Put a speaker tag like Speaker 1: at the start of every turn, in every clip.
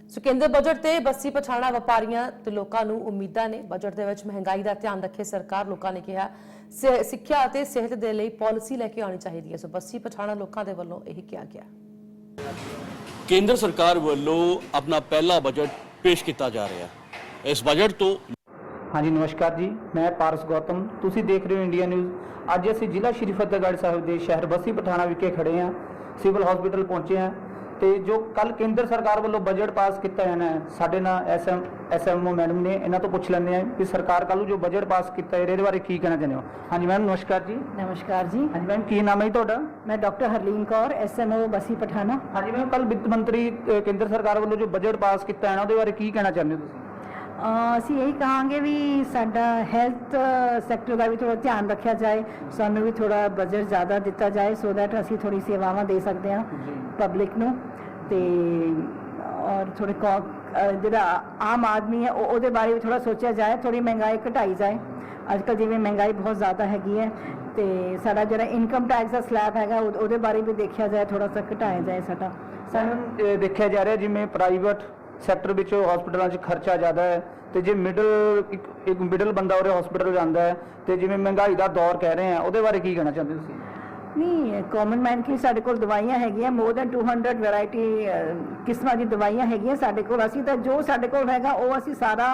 Speaker 1: ਸੋ ਕੇਂਦਰ ਬਜਟ ਤੇ ਬੱਸੀ ਪਠਾਣਾ ਵਪਾਰੀਆਂ ਤੇ ਲੋਕਾਂ ਨੂੰ ਉਮੀਦਾਂ ਨੇ। ਬਜਟ ਦੇ ਵਿੱਚ ਮਹਿੰਗਾਈ ਦਾ ਧਿਆਨ ਰੱਖੇ ਸਰਕਾਰ। ਲੋਕਾਂ ਨੇ ਕਿਹਾ ਸਿੱਖਿਆ ਅਤੇ ਸਿਹਤ ਦੇ ਲਈ ਪਾਲਿਸੀ ਲੈ ਕੇ ਆਉਣੀ ਚਾਹੀਦੀ ਹੈ। ਸੋ ਬੱਸੀ ਪਠਾਣਾ ਲੋਕਾਂ ਦੇ ਵੱਲੋਂ ਇਹੀ ਕਿਹਾ ਗਿਆ।
Speaker 2: ਕੇਂਦਰ ਸਰਕਾਰ ਵੱਲੋਂ ਆਪਣਾ ਪਹਿਲਾ ਬਜਟ ਪੇਸ਼ ਕੀਤਾ ਜਾ ਰਿਹਾ ਹੈ। ਇਸ ਬਜਟ ਤੋਂ
Speaker 3: हाँ जी नमस्कार जी, मैं पारस गौतम, तुसी देख रहे हो इंडिया न्यूज़। अज असी जिला श्री फतेहगढ़ साहिब के शहर बस्सी पठाना विखे खड़े हैं, सिविल हॉस्पिटल पहुंचे हैं। तो जो कल केंद्र सरकार वालों बजट पास किया जाना है, साडे नाल SMO मैडम ने, इन्हां तो पुछ लैंदे हैं कि सरकार कल जो बजट पास किया है इहदे बारे की कहना चाहते हो। हाँ जी मैम नमस्कार जी।
Speaker 4: नमस्कार जी।
Speaker 3: हाँ जी मैम की नाम है तुहाडा?
Speaker 4: मैं डॉक्टर हरलीन कौर, SMO बस्सी पठाना।
Speaker 3: हाँ जी मैम, कल वित्त मंत्री केंद्र सरकार वालों जो बजट पास किया है उहदे बारे की कहना चाहते हो तुसीं?
Speaker 4: ਅਸੀਂ ਇਹੀ ਕਹਾਂਗੇ ਵੀ ਸਾਡਾ ਹੈਲਥ ਸੈਕਟਰ ਦਾ ਵੀ ਥੋੜਾ ਧਿਆਨ ਰੱਖਿਆ ਜਾਏ, ਸਾਨੂੰ ਵੀ ਥੋੜਾ ਬਜਟ ਜ਼ਿਆਦਾ ਦਿੱਤਾ ਜਾਏ ਸੋ ਦੈਟ ਅਸੀਂ ਥੋੜੀ ਸੇਵਾਵਾਂ ਦੇ ਸਕਦੇ ਹਾਂ ਪਬਲਿਕ ਨੂੰ। ਤੇ ਔਰ ਥੋੜੇ ਜਿਹੜਾ ਆਮ ਆਦਮੀ ਹੈ ਉਹਦੇ ਬਾਰੇ ਵੀ ਥੋੜਾ ਸੋਚਿਆ ਜਾਏ, ਥੋੜੀ ਮਹਿੰਗਾਈ ਘਟਾਈ ਜਾਏ। ਅੱਜ ਕੱਲ੍ਹ ਜਿਵੇਂ ਮਹਿੰਗਾਈ ਬਹੁਤ ਜ਼ਿਆਦਾ ਹੈਗੀ ਹੈ ਤੇ ਸਾਡਾ ਜਿਹੜਾ ਇਨਕਮ ਟੈਕਸ ਦਾ ਸਲੈਬ ਹੈਗਾ ਉਹਦੇ ਬਾਰੇ ਵੀ ਦੇਖਿਆ ਜਾਏ, ਥੋੜਾ ਸਾ ਘਟਾਇਆ ਜਾਏ। ਸਾਡਾ
Speaker 3: ਸਾਨੂੰ ਦੇਖਿਆ ਜਾ ਰਿਹਾ ਜਿਵੇਂ ਪ੍ਰਾਈਵੇਟ ਸੈਕਟਰ ਵਿੱਚ ਹਸਪਤਾਲਾਂ 'ਚ ਖਰਚਾ ਜ਼ਿਆਦਾ ਹੈ ਤੇ ਜੇ ਇੱਕ ਮਿਡਲ ਬੰਦਾ ਉਹਦੇ ਹਸਪਤਾਲ ਜਾਂਦਾ ਹੈ ਤੇ ਜਿਵੇਂ ਮਹਿੰਗਾਈ ਦਾ ਦੌਰ ਕਹਿ ਰਹੇ ਆ ਉਹਦੇ ਬਾਰੇ ਕੀ ਕਹਿਣਾ ਚਾਹੁੰਦੇ ਤੁਸੀਂ?
Speaker 4: ਨਹੀਂ, ਕਾਮਨ ਮੈਨ ਕੀ ਸਾਡੇ ਕੋਲ ਦਵਾਈਆਂ ਹੈਗੀਆਂ, ਮੋਰ ਦੈਨ 200 ਵੈਰਾਈਟੀ ਕਿਸਮਾਂ ਦੀ ਦਵਾਈਆਂ ਹੈਗੀਆਂ ਸਾਡੇ ਕੋਲ। ਅਸੀਂ ਤਾਂ ਜੋ ਸਾਡੇ ਕੋਲ ਹੈਗਾ ਉਹ ਅਸੀਂ ਸਾਰਾ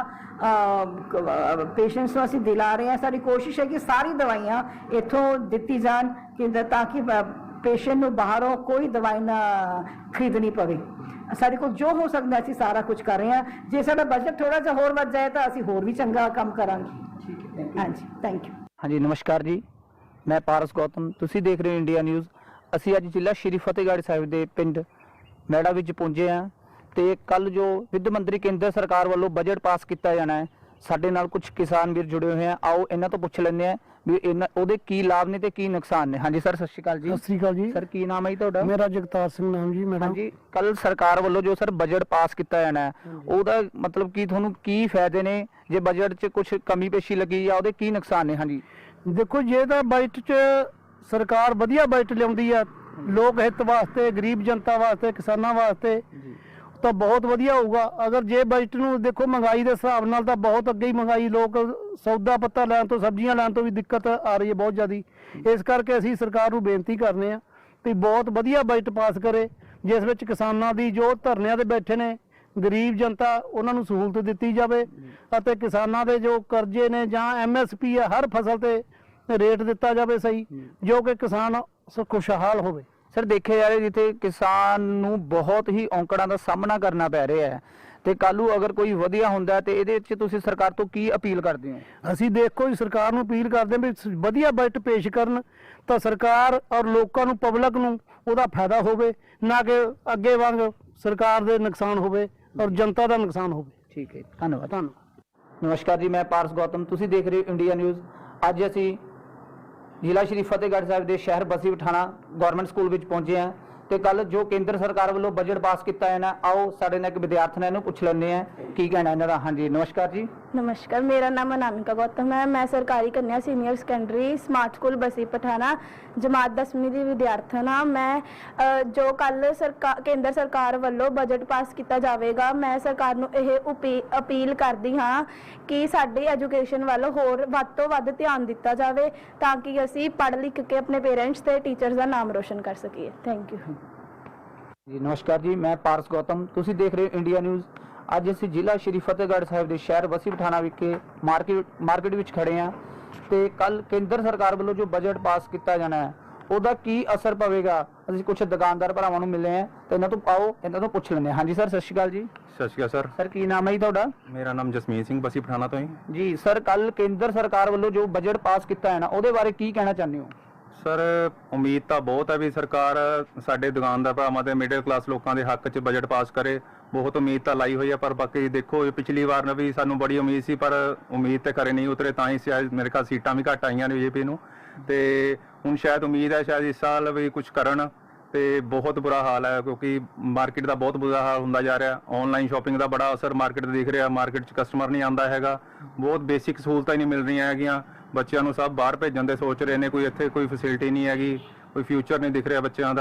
Speaker 4: ਪੇਸ਼ੈਂਟਸ ਨੂੰ ਅਸੀਂ ਦਿਲਾ ਰਹੇ ਹਾਂ। ਸਾਡੀ ਕੋਸ਼ਿਸ਼ ਹੈ ਕਿ ਸਾਰੀ ਦਵਾਈਆਂ ਇੱਥੋਂ ਦਿੱਤੀ ਜਾਣ ਕਿ ਤਾਂ ਕਿ ਪੇਸ਼ੈਂਟ ਨੂੰ ਬਾਹਰੋਂ ਕੋਈ ਦਵਾਈ ਨਾ ਖਰੀਦਣੀ ਪਵੇ। ਸਾਡੇ ਕੋਲ ਜੋ ਹੋ ਸਕਦਾ ਅਸੀਂ ਸਾਰਾ ਕੁਝ ਕਰ ਰਹੇ ਹਾਂ। ਜੇ ਸਾਡਾ ਬਜਟ ਥੋੜਾ ਜਿਹਾ ਹੋਰ ਵੱਧ ਜਾਏ ਤਾਂ ਅਸੀਂ ਹੋਰ ਵੀ ਚੰਗਾ ਕੰਮ ਕਰਾਂਗੇ।
Speaker 3: ਠੀਕ ਹੈ,
Speaker 4: ਹਾਂਜੀ, ਥੈਂਕ ਯੂ।
Speaker 3: ਹਾਂਜੀ ਨਮਸਕਾਰ ਜੀ, ਮੈਂ ਪਾਰਸ ਗੌਤਮ, ਤੁਸੀਂ ਦੇਖ ਰਹੇ ਹੋ ਇੰਡੀਆ ਨਿਊਜ਼। ਅਸੀਂ ਅੱਜ ਜ਼ਿਲ੍ਹਾ ਸ਼੍ਰੀ ਫਤਿਹਗੜ੍ਹ ਸਾਹਿਬ ਦੇ ਪਿੰਡ ਮੈੜਾ ਵਿੱਚ ਪਹੁੰਚੇ ਹਾਂ ਤੇ ਕੱਲ ਜੋ ਵਿੱਤ ਮੰਤਰੀ ਕੇਂਦਰ ਸਰਕਾਰ ਵੱਲੋਂ ਬਜਟ ਪਾਸ ਕੀਤਾ ਜਾਣਾ ਹੈ, ਸਾਡੇ ਨਾਲ ਕੁਝ ਕਿਸਾਨ ਵੀਰ ਜੁੜੇ ਹੋਏ ਆ। ਆਓ ਇਹਨਾਂ ਤੋਂ ਪੁੱਛ ਲੈਂਦੇ ਆ ਵੀ ਇਹਨਾਂ ਉਹਦੇ ਕੀ ਲਾਭ ਨੇ ਤੇ ਕੀ ਨੁਕਸਾਨ ਨੇ। ਹਾਂਜੀ ਸਰ, ਸਤਿ ਸ਼੍ਰੀ ਅਕਾਲ ਜੀ।
Speaker 5: ਸਤਿ ਸ੍ਰੀ ਅਕਾਲ ਜੀ।
Speaker 3: ਸਰ ਕੀ ਨਾਮ ਹੈ ਜੀ ਤੁਹਾਡਾ?
Speaker 5: ਮੇਰਾ ਜਗਤਾਰ ਸਿੰਘ ਨਾਮ ਜੀ। ਮੈਡਮ
Speaker 3: ਹਾਂਜੀ, ਕੱਲ ਸਰਕਾਰ ਵੱਲੋਂ ਜੋ ਸਰ ਬਜਟ ਪਾਸ ਕੀਤਾ ਜਾਣਾ ਹੈ ਉਹਦਾ ਮਤਲਬ ਕੀ ਤੁਹਾਨੂੰ ਕੀ ਫਾਇਦੇ ਨੇ? ਜੇ ਬਜਟ 'ਚ ਕੁਝ ਕਮੀ ਪੇਸ਼ੀ ਲੱਗੀ ਜਾਂ ਉਹਦੇ ਕੀ ਨੁਕਸਾਨ ਨੇ? ਹਾਂਜੀ
Speaker 5: ਦੇਖੋ, ਜੇ ਤਾਂ ਬਜਟ 'ਚ ਸਰਕਾਰ ਵਧੀਆ ਬਜਟ ਲਿਆਉਂਦੀ ਆ ਲੋਕ ਹਿੱਤ ਵਾਸਤੇ, ਗਰੀਬ ਜਨਤਾ ਵਾਸਤੇ, ਕਿਸਾਨਾਂ ਵਾਸਤੇ ਤਾਂ ਬਹੁਤ ਵਧੀਆ ਹੋਊਗਾ। ਅਗਰ ਜੇ ਬਜਟ ਨੂੰ ਦੇਖੋ ਮਹਿੰਗਾਈ ਦੇ ਹਿਸਾਬ ਨਾਲ ਤਾਂ ਬਹੁਤ ਅੱਗੇ ਹੀ ਮਹਿੰਗਾਈ, ਲੋਕ ਸੌਦਾ ਪੱਤਾ ਲੈਣ ਤੋਂ, ਸਬਜ਼ੀਆਂ ਲੈਣ ਤੋਂ ਵੀ ਦਿੱਕਤ ਆ ਰਹੀ ਹੈ ਬਹੁਤ ਜ਼ਿਆਦੀ। ਇਸ ਕਰਕੇ ਅਸੀਂ ਸਰਕਾਰ ਨੂੰ ਬੇਨਤੀ ਕਰਨੇ ਆ ਵੀ ਬਹੁਤ ਵਧੀਆ ਬਜਟ ਪਾਸ ਕਰੇ ਜਿਸ ਵਿੱਚ ਕਿਸਾਨਾਂ ਦੀ ਜੋ ਧਰਨਿਆਂ ਤੇ ਬੈਠੇ ਨੇ ਗਰੀਬ ਜਨਤਾ ਉਹਨਾਂ ਨੂੰ ਸਹੂਲਤ ਦਿੱਤੀ ਜਾਵੇ ਅਤੇ ਕਿਸਾਨਾਂ ਦੇ ਜੋ ਕਰਜ਼ੇ ਨੇ ਜਾਂ MSP ਹੈ ਹਰ ਫਸਲ ਤੇ ਰੇਟ ਦਿੱਤਾ ਜਾਵੇ ਸਹੀ, ਜੋ ਕਿ ਕਿਸਾਨ ਖੁਸ਼ਹਾਲ ਹੋਵੇ।
Speaker 3: ਸਰ ਦੇਖਿਆ ਜਾ ਰਿਹਾ ਜਿੱਥੇ ਕਿਸਾਨ ਨੂੰ ਬਹੁਤ ਹੀ ਔਂਕੜਾਂ ਦਾ ਸਾਹਮਣਾ ਕਰਨਾ ਪੈ ਰਿਹਾ ਹੈ ਤੇ ਕੱਲ੍ਹ ਨੂੰ ਅਗਰ ਕੋਈ ਵਧੀਆ ਹੁੰਦਾ ਤੇ ਇਹਦੇ ਵਿੱਚ ਤੁਸੀਂ ਸਰਕਾਰ ਤੋਂ ਕੀ ਅਪੀਲ ਕਰਦੇ ਹੋ?
Speaker 5: ਅਸੀਂ ਦੇਖੋ ਜੀ ਸਰਕਾਰ ਨੂੰ ਅਪੀਲ ਕਰਦੇ ਹਾਂ ਵੀ ਵਧੀਆ ਬਜਟ ਪੇਸ਼ ਕਰਨ ਤਾਂ ਸਰਕਾਰ ਔਰ ਲੋਕਾਂ ਨੂੰ, ਪਬਲਿਕ ਨੂੰ ਉਹਦਾ ਫਾਇਦਾ ਹੋਵੇ, ਨਾ ਕਿ ਅੱਗੇ ਵਾਂਗ ਸਰਕਾਰ ਦੇ ਨੁਕਸਾਨ ਹੋਵੇ ਔਰ ਜਨਤਾ ਦਾ ਨੁਕਸਾਨ ਹੋਵੇ।
Speaker 3: ਠੀਕ ਹੈ, ਧੰਨਵਾਦ। ਨਮਸਕਾਰ ਜੀ, ਮੈਂ ਪਾਰਸ ਗੌਤਮ, ਤੁਸੀਂ ਦੇਖ ਰਹੇ ਹੋ ਇੰਡੀਆ ਨਿਊਜ਼। ਅੱਜ ਅਸੀਂ ਜ਼ਿਲ੍ਹਾ ਸ਼੍ਰੀ ਫਤਿਹਗੜ੍ਹ ਸਾਹਿਬ ਦੇ ਸ਼ਹਿਰ ਬਸੀ ਪਠਾਣਾ ਗਵਰਨਮੈਂਟ ਸਕੂਲ ਵਿੱਚ ਪਹੁੰਚੇ ਹਾਂ ਤੇ ਕੱਲ ਜੋ ਕੇਂਦਰ ਸਰਕਾਰ ਵੱਲੋਂ ਬਜਟ ਪਾਸ ਕੀਤਾ ਹੈ ਨਾ, ਆਓ ਸਾਡੇ ਨਾਲ ਇੱਕ ਵਿਦਿਆਰਥੀ ਨੇ ਇਹਨੂੰ ਪੁੱਛ ਲੈਂਦੇ ਆ ਕੀ ਕਹਿਣਾ ਇਹਨਾਂ ਦਾ। ਹਾਂਜੀ ਨਮਸਕਾਰ ਜੀ।
Speaker 6: नमस्कार, मेरा नाम अनामिका गौतम है। मैं सरकारी कन्या सीनियर सेकेंडरी स्मार्ट स्कूल बसी पठाना जमात 10वीं की विद्यार्थन हाँ। मैं जो कल केंद्र सरकार वालों बजट पास किया जाएगा, मैं सरकार नूं यह अपील करती हाँ कि साडी एजुकेशन वाल होर वध तो वध ध्यान दिता जाए ताकि असी पढ़ लिख के अपने पेरेंट्स ते टीचर्स का नाम रोशन कर सकीए। थैंक यू
Speaker 3: जी नमस्कार जी, मैं पारस गौतम, तुसी देख रहे हो इंडिया न्यूज़। ਅੱਜ ਅਸੀਂ ਜ਼ਿਲ੍ਹਾ ਸ਼੍ਰੀ ਫਤਿਹਗੜ੍ਹ ਸਾਹਿਬ ਦੇ ਸ਼ਹਿਰ ਬਸੀ ਪਠਾਣਾ ਵਿਖੇ ਮਾਰਕੀਟ ਵਿੱਚ ਖੜੇ ਹਾਂ ਤੇ ਕੱਲ ਕੇਂਦਰ ਸਰਕਾਰ ਵੱਲੋਂ ਜੋ ਬਜਟ ਪਾਸ ਕੀਤਾ ਜਾਣਾ ਹੈ ਉਹਦਾ ਕੀ ਅਸਰ ਪਵੇਗਾ। ਅਸੀਂ ਕੁਝ ਦੁਕਾਨਦਾਰ ਭਰਾਵਾਂ ਨੂੰ ਮਿਲੇ ਹਾਂ ਤੇ ਇਹਨਾਂ ਤੋਂ ਪੁੱਛ ਲੈਂਦੇ ਹਾਂ। ਹਾਂਜੀ ਸਰ, ਸਤਿ ਸ਼੍ਰੀ ਅਕਾਲ ਜੀ।
Speaker 7: ਸਤਿ ਸ਼੍ਰੀ ਅਕਾਲ ਸਰ।
Speaker 3: ਸਰ ਕੀ ਨਾਮ ਹੈ ਜੀ ਤੁਹਾਡਾ?
Speaker 7: ਮੇਰਾ ਨਾਮ ਜਸਮੀਤ ਸਿੰਘ, ਬਸੀ ਪਠਾਣਾ ਤੋਂ
Speaker 3: ਜੀ। ਸਰ ਕੱਲ ਕੇਂਦਰ ਸਰਕਾਰ ਵੱਲੋਂ ਜੋ ਬਜਟ ਪਾਸ ਕੀਤਾ ਹੈ ਨਾ ਉਹਦੇ ਬਾਰੇ ਕੀ ਕਹਿਣਾ ਚਾਹੁੰਦੇ ਹੋ?
Speaker 7: ਸਰ ਉਮੀਦ ਤਾਂ ਬਹੁਤ ਹੈ ਵੀ ਸਰਕਾਰ ਸਾਡੇ ਦੁਕਾਨਦਾਰ ਭਰਾਵਾਂ ਤੇ ਮਿਡਲ ਕਲਾਸ ਲੋਕਾਂ ਦੇ ਹੱਕ 'ਚ ਬਜਟ ਪਾਸ ਕਰੇ। ਬਹੁਤ ਉਮੀਦ ਤਾਂ ਲਾਈ ਹੋਈ ਹੈ ਪਰ ਬਾਕੀ ਦੇਖੋ ਪਿਛਲੀ ਵਾਰ ਵੀ ਸਾਨੂੰ ਬੜੀ ਉਮੀਦ ਸੀ ਪਰ ਉਮੀਦ ਤੇ ਖਰੇ ਨਹੀਂ ਉਤਰੇ, ਤਾਂ ਹੀ ਸ਼ਾਇਦ ਮੇਰੇ ਖਿਆਲ ਸੀਟਾਂ ਵੀ ਘੱਟ ਆਈਆਂ ਨੇ BJP ਨੂੰ। ਤੇ ਹੁਣ ਸ਼ਾਇਦ ਉਮੀਦ ਹੈ ਸ਼ਾਇਦ ਇਸ ਸਾਲ ਵੀ ਕੁਝ ਕਰਨ। ਤੇ ਬਹੁਤ ਬੁਰਾ ਹਾਲ ਹੈ ਕਿਉਂਕਿ ਮਾਰਕੀਟ ਦਾ ਬਹੁਤ ਬੁਰਾ ਹਾਲ ਹੁੰਦਾ ਜਾ ਰਿਹਾ। ਆਨਲਾਈਨ ਸ਼ਾਪਿੰਗ ਦਾ ਬੜਾ ਅਸਰ ਮਾਰਕੀਟ 'ਤੇ ਦਿਖ ਰਿਹਾ। ਮਾਰਕੀਟ 'ਚ ਕਸਟਮਰ ਨਹੀਂ ਆਉਂਦਾ ਹੈਗਾ, ਬਹੁਤ ਬੇਸਿਕ ਸਹੂਲਤਾਂ ਹੀ ਨਹੀਂ ਮਿਲ ਰਹੀਆਂ ਹੈਗੀਆਂ। ਬੱਚਿਆਂ ਨੂੰ ਸਭ ਬਾਹਰ ਭੇਜਣ ਦੇ ਸੋਚ ਰਹੇ ਨੇ, ਕੋਈ ਇੱਥੇ ਕੋਈ ਫੈਸਿਲਿਟੀ ਨਹੀਂ ਹੈਗੀ, ਕੋਈ ਫਿਊਚਰ ਨਹੀਂ ਦਿਖ ਰਿਹਾ ਬੱਚਿਆਂ ਦਾ।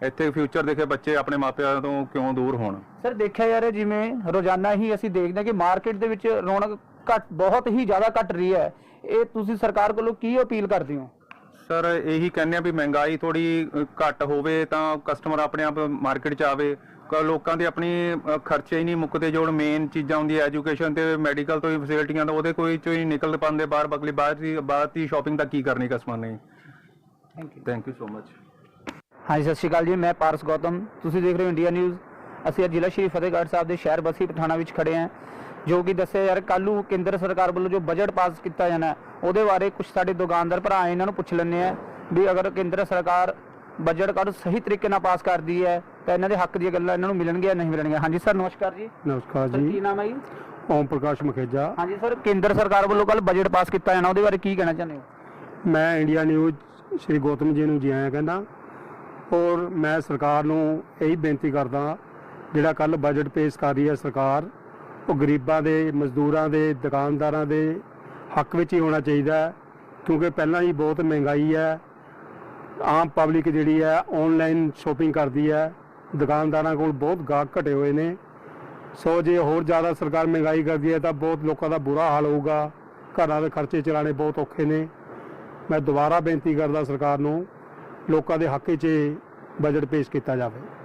Speaker 7: ਇੱਥੇ ਫਿਊਚਰ ਦੇਖੇ ਬੱਚੇ ਆਪਣੇ ਮਾਪਿਆਂ ਤੋਂ ਕਿਉਂ ਦੂਰ ਹੋਣ।
Speaker 3: ਸਰ ਦੇਖਿਆ ਜਾ ਰਿਹਾ ਜਿਵੇਂ ਰੋਜ਼ਾਨਾ ਹੀ ਅਸੀਂ ਦੇਖਦੇ ਹਾਂ ਕਿ ਮਾਰਕੀਟ ਦੇ ਵਿੱਚ ਰੌਣਕ ਬਹੁਤ ਹੀ ਜ਼ਿਆਦਾ ਘਟ ਰਹੀ ਹੈ, ਇਹ ਤੁਸੀਂ ਸਰਕਾਰ ਕੋਲੋਂ ਕੀ ਅਪੀਲ ਕਰਦੇ ਹੋ?
Speaker 7: ਸਰ ਇਹੀ ਕਹਿੰਦੇ ਆ ਵੀ ਮਹਿੰਗਾਈ ਥੋੜੀ ਘੱਟ ਹੋਵੇ ਤਾਂ ਕਸਟਮਰ ਆਪਣੇ ਆਪ ਮਾਰਕੀਟ 'ਚ ਆਵੇ। ਲੋਕਾਂ ਦੇ ਆਪਣੀ ਖਰਚੇ ਹੀ ਨਹੀਂ ਮੁੱਕਦੇ, ਜੋ ਮੇਨ ਚੀਜ਼ਾਂ ਹੁੰਦੀਆਂ ਐਜੂਕੇਸ਼ਨ ਤੇ ਮੈਡੀਕਲ ਤੋਂ ਹੀ ਫੈਸਿਲਿਟੀਆਂ ਤਾਂ ਉਹਦੇ ਕੋਈ ਚੋਂ ਹੀ ਨਿਕਲ ਪਾਉਂਦੇ ਬਾਹਰ, ਬਗਲੀ ਬਾਹਰ ਦੀ ਸ਼ਾਪਿੰਗ ਤਾਂ ਕੀ ਕਰਨੀ ਕਸਟਮਰ ਨੇ। Thank you so much.
Speaker 3: ਹਾਂਜੀ ਸਤਿ ਸ਼੍ਰੀ ਅਕਾਲ ਜੀ, ਮੈਂ ਪਾਰਸ ਗੌਤਮ, ਤੁਸੀਂ ਦੇਖ ਰਹੇ ਹੋ ਇੰਡੀਆ ਨਿਊਜ਼। ਅਸੀਂ ਅੱਜ ਜ਼ਿਲ੍ਹਾ ਸ਼੍ਰੀ ਫਤਿਹਗੜ੍ਹ ਸਾਹਿਬ ਦੇ ਸ਼ਹਿਰ ਬਸੀ ਪਠਾਣਾ ਵਿੱਚ ਖੜੇ ਹਾਂ, ਜੋ ਕਿ ਦੱਸਿਆ ਯਾਰ ਕੱਲ੍ਹ ਨੂੰ ਕੇਂਦਰ ਸਰਕਾਰ ਵੱਲੋਂ ਜੋ ਬਜਟ ਪਾਸ ਕੀਤਾ ਜਾਣਾ ਉਹਦੇ ਬਾਰੇ ਕੁਝ ਸਾਡੇ ਦੁਕਾਨਦਾਰ ਭਰਾ ਇਹਨਾਂ ਨੂੰ ਪੁੱਛ ਲੈਂਦੇ ਆ ਵੀ ਅਗਰ ਕੇਂਦਰ ਸਰਕਾਰ ਬਜਟ ਕਰ ਸਹੀ ਤਰੀਕੇ ਨਾਲ ਪਾਸ ਕਰਦੀ ਹੈ ਤਾਂ ਇਹਨਾਂ ਦੇ ਹੱਕ ਦੀਆਂ ਗੱਲਾਂ ਇਹਨਾਂ ਨੂੰ ਮਿਲਣਗੀਆਂ ਨਹੀਂ ਮਿਲਣਗੀਆਂ। ਹਾਂਜੀ ਸਰ ਨਮਸਕਾਰ ਜੀ।
Speaker 5: ਨਮਸਕਾਰ
Speaker 3: ਸਰ ਕੀ ਨਾਮ ਹੈ ਜੀ?
Speaker 5: ਓਮ ਪ੍ਰਕਾਸ਼ ਮਖੇਜਾ।
Speaker 3: ਹਾਂਜੀ ਸਰ, ਕੇਂਦਰ ਸਰਕਾਰ ਵੱਲੋਂ ਕੱਲ੍ਹ ਬਜਟ ਪਾਸ ਕੀਤਾ ਜਾਣਾ ਉਹਦੇ ਬਾਰੇ ਕੀ ਕਹਿਣਾ ਚਾਹੁੰਦੇ ਹੋ?
Speaker 5: ਮੈਂ ਇੰਡੀਆ ਨਿਊਜ਼ ਸ਼੍ਰੀ ਗੌਤਮ ਜੀ ਨੂੰ ਜੀ ਆਇਆਂ ਕਹਿੰਦਾ, ਔਰ ਮੈਂ ਸਰਕਾਰ ਨੂੰ ਇਹੀ ਬੇਨਤੀ ਕਰਦਾ ਜਿਹੜਾ ਕੱਲ ਬਜਟ ਪੇਸ਼ ਕਰ ਰਹੀ ਹੈ ਸਰਕਾਰ, ਉਹ ਗਰੀਬਾਂ ਦੇ, ਮਜ਼ਦੂਰਾਂ ਦੇ, ਦੁਕਾਨਦਾਰਾਂ ਦੇ ਹੱਕ ਵਿੱਚ ਹੀ ਹੋਣਾ ਚਾਹੀਦਾ ਹੈ, ਕਿਉਂਕਿ ਪਹਿਲਾਂ ਹੀ ਬਹੁਤ ਮਹਿੰਗਾਈ ਹੈ। ਆਮ ਪਬਲਿਕ ਜਿਹੜੀ ਹੈ ਆਨਲਾਈਨ ਸ਼ੋਪਿੰਗ ਕਰਦੀ ਹੈ, ਦੁਕਾਨਦਾਰਾਂ ਕੋਲ ਬਹੁਤ ਗਾਹਕ ਘਟੇ ਹੋਏ ਨੇ। ਸੋ ਜੇ ਹੋਰ ਜ਼ਿਆਦਾ ਸਰਕਾਰ ਮਹਿੰਗਾਈ ਕਰਦੀ ਹੈ ਤਾਂ ਬਹੁਤ ਲੋਕਾਂ ਦਾ ਬੁਰਾ ਹਾਲ ਹੋਊਗਾ, ਘਰਾਂ ਦੇ ਖਰਚੇ ਚਲਾਉਣੇ ਬਹੁਤ ਔਖੇ ਨੇ। ਮੈਂ ਦੁਬਾਰਾ ਬੇਨਤੀ ਕਰਦਾ ਸਰਕਾਰ ਨੂੰ ਲੋਕਾਂ ਦੇ ਹੱਕ 'ਚ ਬਜਟ ਪੇਸ਼ ਕੀਤਾ ਜਾਵੇ।